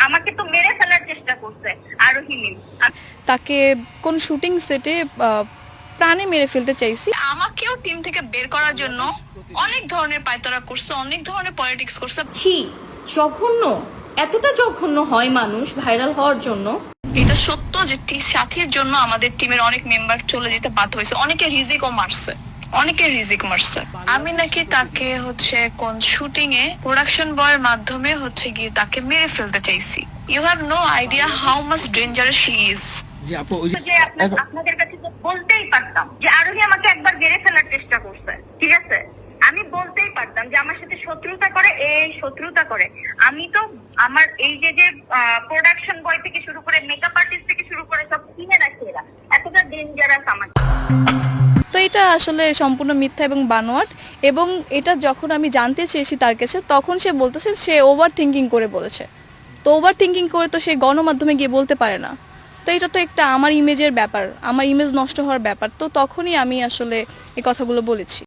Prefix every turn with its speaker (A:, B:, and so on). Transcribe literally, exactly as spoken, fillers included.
A: আমাকে তো মেরে ফেলার চেষ্টা করছে আরোহী মিম।
B: তাকে কোন শুটিং সেটে প্রাণে মেরে ফেলতে চাইছি।
C: আমাকেও টিম থেকে বের করার জন্য অনেক ধরনের পায়তারা করছে, অনেক ধরনের পলিটিক্স করছে।
D: ছি, জঘন্য। এতটা জঘন্য হয় মানুষ ভাইরাল হওয়ার জন্য?
C: এটা সত্য যে সাথীর জন্য আমাদের টিমের অনেক মেম্বার চলে যেতে বাধ্য হয়েছে, অনেকে রিজিকও মারছে, অনেকে রিজিক মারছে। আমি নাকি তাকে হচ্ছে কোন শুটিং এ প্রোডাকশন বয়ের মাধ্যমে হচ্ছে গিয়ে তাকে মেরে ফেলতে চাইছি। You have no idea how much dangerous she is.
A: যে আপনাদের কাছে তো বলতেই পারতাম যে আরোহী আমাকে একবার মেরে ফেলার চেষ্টা করছে, ঠিক আছে? আমি বলতেই পারতাম যে আমার সাথে শত্রুতা করে, এই শত্রুতা করে। আমি তো আমার এই যে যে প্রোডাকশন বয় থেকে শুরু করে মেকআপ আর্টিস্ট থেকে শুরু করে সব চিনে রাখি এরা, এতটা ডেঞ্জারাস আমার।
B: তো এটা আসলে সম্পূর্ণ মিথ্যা এবং বানোয়াট। এবং এটা যখন আমি জানতে চেয়েছি তার কাছে, তখন সে বলতেছে সে ওভার থিঙ্কিং করে বলেছে। তো ওভার থিঙ্কিং করে তো সে গণমাধ্যমে গিয়ে বলতে পারে না। তো এটা তো একটা আমার ইমেজের ব্যাপার, আমার ইমেজ নষ্ট হওয়ার ব্যাপার। তো তখনই আমি আসলে এই কথাগুলো বলেছি।